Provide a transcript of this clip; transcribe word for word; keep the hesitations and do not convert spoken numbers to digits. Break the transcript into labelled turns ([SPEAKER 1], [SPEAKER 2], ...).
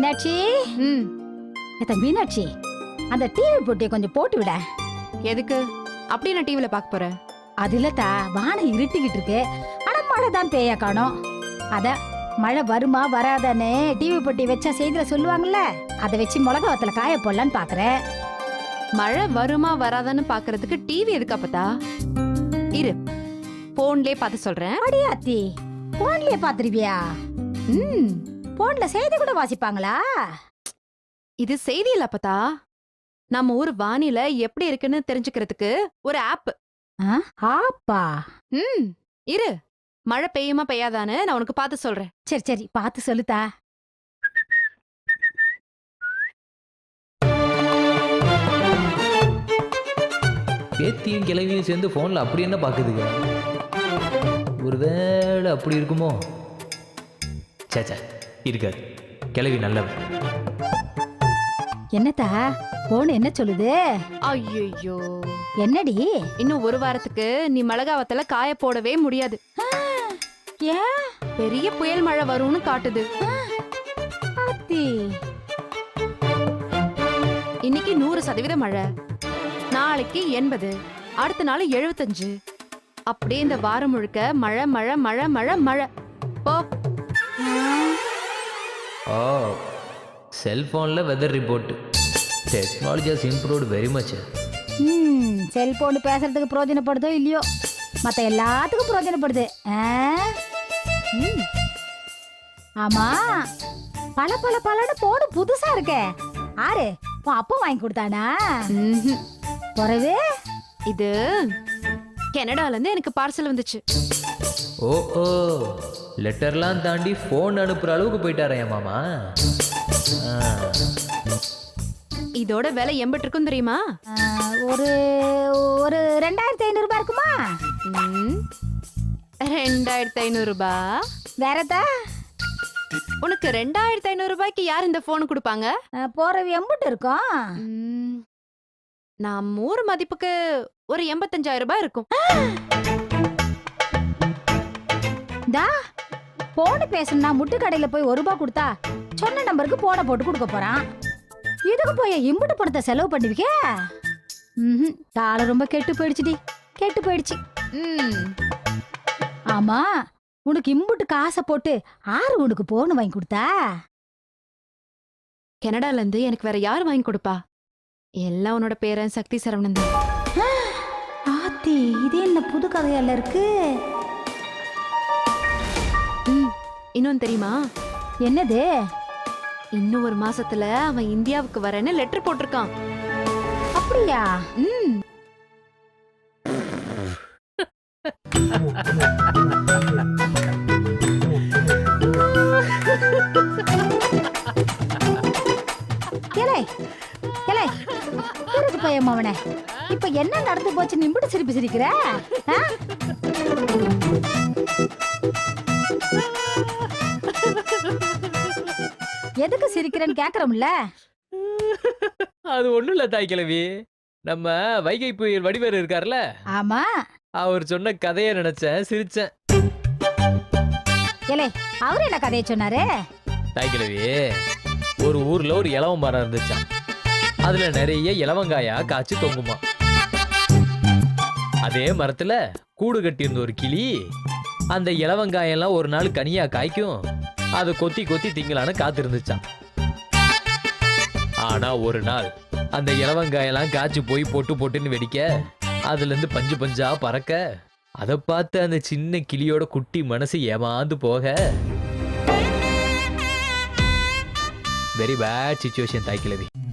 [SPEAKER 1] மீனாட்சி.
[SPEAKER 2] ம்
[SPEAKER 1] ஏத்த மீனாட்சி, அந்த டிவி போட்டியை கொஞ்சம் போட்டு விட.
[SPEAKER 2] எதுக்கு அப்படி நான் டிவில பார்க்க போறேன்?
[SPEAKER 1] அது இல்லத்தா, வானம் இருட்டிக்கிட்டு இருக்கு. ஆனா மழை தான் பேய காணோம். அத மழை வருமா வராதான்னு டிவி போட்டி வச்சா செய்தியில சொல்லுவாங்கல்ல, அதை வச்சு மிளகா வத்தல காய போடலான்னு பாக்குறேன்.
[SPEAKER 2] மழை வருமா வராதான்னு பாக்குறதுக்கு டிவி எதுக்கு அப்பதா? இரு, போன்லயே பார்த்து சொல்றேன்.
[SPEAKER 1] அடியே அத்தி, போன்லயே பாத்துருவியா? ம், போன்ல செய்தி கூட வாசிப்பாங்களா?
[SPEAKER 2] இது செய்தி இல்ல அப்பதா, நம்ம ஊர் வானிலை எப்படி இருக்குன்னு தெரிஞ்சுக்கிறதுக்கு ஒரு ஆப்.
[SPEAKER 1] ஆப்பா?
[SPEAKER 2] ம் இரு, மழை பெய்யுமா பெய்யாதான்னு நான் உனக்கு பார்த்து சொல்றேன்.
[SPEAKER 1] சரி சரி, பார்த்து சொல்லுதா.
[SPEAKER 3] பேத்தியும் கிளவியும் சேர்ந்து ஃபோனில் அப்படி என்ன பார்க்குதுங்க? ஒருவேளை அப்படி இருக்குமோ? சேச்சா, இருக்காது. கிளவி நல்லவ.
[SPEAKER 1] என்னத்தா போன் என்ன சொல்லுது?
[SPEAKER 2] ஐயோ,
[SPEAKER 1] என்னடி?
[SPEAKER 2] இன்னும் ஒரு வாரத்துக்கு நீ மிளகாவத்துல காய போடவே முடியாது.
[SPEAKER 1] ஏன்?
[SPEAKER 2] பெரிய புயல் மழை வரும்னு காட்டுது.
[SPEAKER 1] ஆத்தி,
[SPEAKER 2] இன்னைக்கு நூறு சதவீத மழை, நாளைக்கு எண்பது, அடுத்த நாள் எழுபத்தஞ்சு. அப்படியே இந்த வாரம் முழுக்க மழை மழை மழை மழை மழை. போ.
[SPEAKER 3] ஓ, செல்ஃபோனில் weather report. Technology has improved very much.
[SPEAKER 1] ம், செல்போன் பேசுறதுக்கு பிரயோஜனப்படுதோ இல்லையோ, மத்த எல்லாத்துக்கும் பிரயோஜனப்படுது. ஆ? ம். ஆமா, பல பல பலன்னு போடு புதுசா இருக்கே. ஆறு உன் அப்பா வாங்கி கொடுத்தானா?
[SPEAKER 2] ம்ஹும்.
[SPEAKER 1] பிறகு
[SPEAKER 2] இது கனடால இருந்து எனக்கு பார்சல் வந்துச்சு.
[SPEAKER 3] ஓ ஓ, லெட்டர்லாம் தாண்டி ஃபோன் அனுப்புகிற அளவுக்கு போயிட்டாரா என் மாமா? ஆ.
[SPEAKER 2] இதோட விலை எண்பட்டு இருக்கும் தெரியுமா?
[SPEAKER 1] ஆ, ஒரு ஒரு ரெண்டாயிரத்தி ஐநூறு ரூபாய் இருக்குமா?
[SPEAKER 2] ம், ரெண்டாயிரத்தி ஐநூறு ரூபாய்.
[SPEAKER 1] வேறதா?
[SPEAKER 2] உனக்கு ரெண்டாயிரத்தி ஐநூறு ரூபாய்க்கு யார் இந்த போன் கொடுப்பாங்க?
[SPEAKER 1] போறவு எம்புட்டு இருக்கும்?
[SPEAKER 2] ம், நான் ஊர் மதிப்புக்கு ஒரு எண்பத்தஞ்சாயிரம் ரூபாய் இருக்கும்.
[SPEAKER 1] தா போன் பேசணும்னா முட்டு கடையில போய் ஒரு ரூபாய் கொடுத்தா சொன்ன நம்பருக்கு போன போட்டு கொடுக்க போறான். இதுக்கு போய் இம்புட்டு பணத்தை செலவு பண்ணுவீங்க? ம், காலம் ரொம்ப கெட்டு போயிடுச்சுடி, கெட்டு போயிடுச்சு.
[SPEAKER 2] ம்,
[SPEAKER 1] ஆமா, உனக்கு இம்புட்டு காசை போட்டு ஆறு உனக்கு போன் வாங்கி கொடுத்தா?
[SPEAKER 2] கனடால இருந்து எனக்கு வேற யார் வாங்கி கொடுப்பா? எல்லாம் உன்னோட பேரன் சக்தி சரவணன் தான்.
[SPEAKER 1] ஆத்தி, இது என்ன புது கதையால இருக்கு?
[SPEAKER 2] ம், இன்னொன்னு தெரியுமா?
[SPEAKER 1] என்னது?
[SPEAKER 2] இன்னும் ஒரு மாசத்துல அவன் இந்தியாவுக்கு வரேன்னு லெட்டர் போட்டிருக்கான்.
[SPEAKER 1] அப்படியா?
[SPEAKER 2] ம்,
[SPEAKER 1] ஏலே ஏலே, இருக்கு பையன் அவனே. இப்ப என்ன நடந்து போச்சு நிம்புட்டு சிரிப்பு சிரிக்கிற? ஆ? எதுக்கு சிரிக்கிறேன்னு கேக்குறோம்ல?
[SPEAKER 3] அது ஒன்றும் இல்லை தாய் கிழவி, நம்ம வைகை புயல் வடிவேறு இருக்கார்ல,
[SPEAKER 1] ஆமா.
[SPEAKER 3] அவர் சொன்ன கதையை நினைச்சேன், சிரிச்சேன்.
[SPEAKER 1] ஏலே, அவரு என்ன கதையை சொன்னாரு?
[SPEAKER 3] தாய் கிழவி, ஒரு ஊர்ல ஒரு இலவ மரம் இருந்துச்சான். அதுல நிறைய இலவங்காயா காய்ச்சி தொங்குமா. அதே மரத்துல கூடு கட்டியிருந்த ஒரு கிளி அந்த இலவங்காயெல்லாம் ஒரு நாள் கனியா காய்க்கும், அதை கொத்தி கொத்தி திங்கலான்னு காத்திருந்துச்சான். ஆனா ஒரு நாள் அந்த இலவங்காயெல்லாம் காய்ச்சி போய் பொட்டு பொட்டுன்னு வெடிக்க, அதுல இருந்து பஞ்சு பஞ்சா பறக்க, அதை பார்த்து அந்த சின்ன கிளியோட குட்டி மனசு ஏமாந்து போக, வெரி பேட் சிச்சுவேஷன் தாய் கிழவி.